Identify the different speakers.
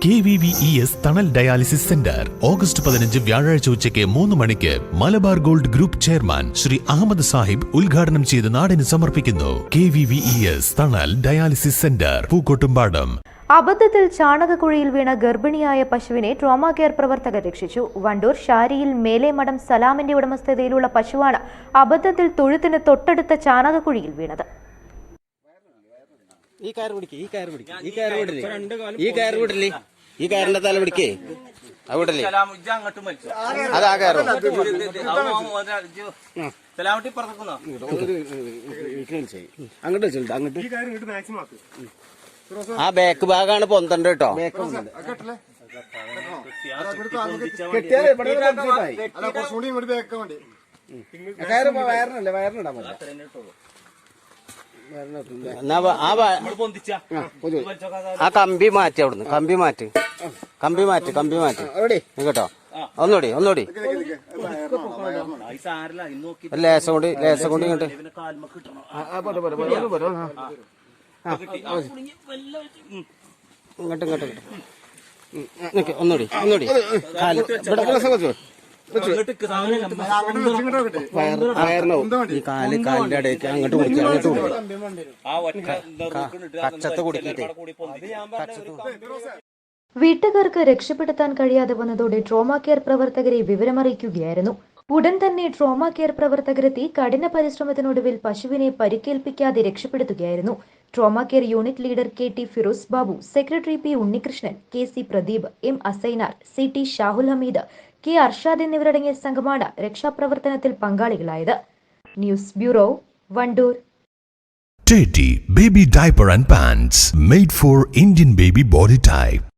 Speaker 1: KVVES തണൽ dialysis centre August 15 വ്യാഴാഴ്ച ഉച്ചയ്ക്ക് 3 മണിക്ക് Malabar gold group chairman Shri Ahammed Sahib ഉദ്ഘാടനം ചെയ്ത് നാടിന് സമർപ്പിക്കുന്നു. KVVES തണൽ ഡയാലിസിസ് സെന്റർ, പൂക്കോട്ടുംപാടം.
Speaker 2: അബദ്ധത്തിൽ ചാണകക്കുഴിയിൽ വീണ ഗർഭിണിയായ പശുവിനെ ട്രോമ കെയർ പ്രവർത്തകർ രക്ഷിച്ചു. വണ്ടൂർ ഷാരിയിൽ മേലേമഠം സലാമിന്റെ ഉടമസ്ഥതയിലുള്ള പശുവാണ് അബദ്ധത്തിൽ തൊഴുത്തിന് തൊട്ടടുത്ത ചാണകക്കുഴിയിൽ വീണത്.
Speaker 3: ഈ കയറിന്റെ തല പിടിക്കേ അവിടല്ലേ അതാ കയറോ അങ്ങോട്ട് അങ്ങോട്ട് ആ ബാക്ക് ഭാഗമാണ് പൊന്തണ്ട കേട്ടോ. ആ കമ്പി മാറ്റി അവിടുന്ന് കമ്പി മാറ്റ് കേട്ടോ. ഒന്നുകൂടി ലേസം കൊണ്ട് ഇങ്ങോട്ട് ഒന്നുകൂടി ഈ കാലിന്റെ ഇടയ്ക്ക് അങ്ങോട്ട് കച്ചത്ത് കുടിക്കട്ടെ.
Speaker 2: വീട്ടുകാർക്ക് രക്ഷപ്പെടുത്താൻ കഴിയാതെ വന്നതോടെ ട്രോമ കെയർ പ്രവർത്തകരെ വിവരമറിയിക്കുകയായിരുന്നു. ഉടൻ തന്നെ ട്രോമ കെയർ പ്രവർത്തകരെത്തി കഠിന പരിശ്രമത്തിനൊടുവിൽ പശുവിനെ പരിക്കേൽപ്പിക്കാതെ രക്ഷപ്പെടുത്തുകയായിരുന്നു. Trauma care unit leader KT Firoz Babu, secretary P Unnikrishnan, KC Pradeep, M Asainar, CT Shahul Hameed, K Arshad എന്നിവരടങ്ങിയ സംഘമാണ് രക്ഷാപ്രവർത്തനത്തിൽ പങ്കാളികളായത്. News bureau, Wandoor.
Speaker 1: Teddy Baby Diaper and Pants made for Indian baby body type.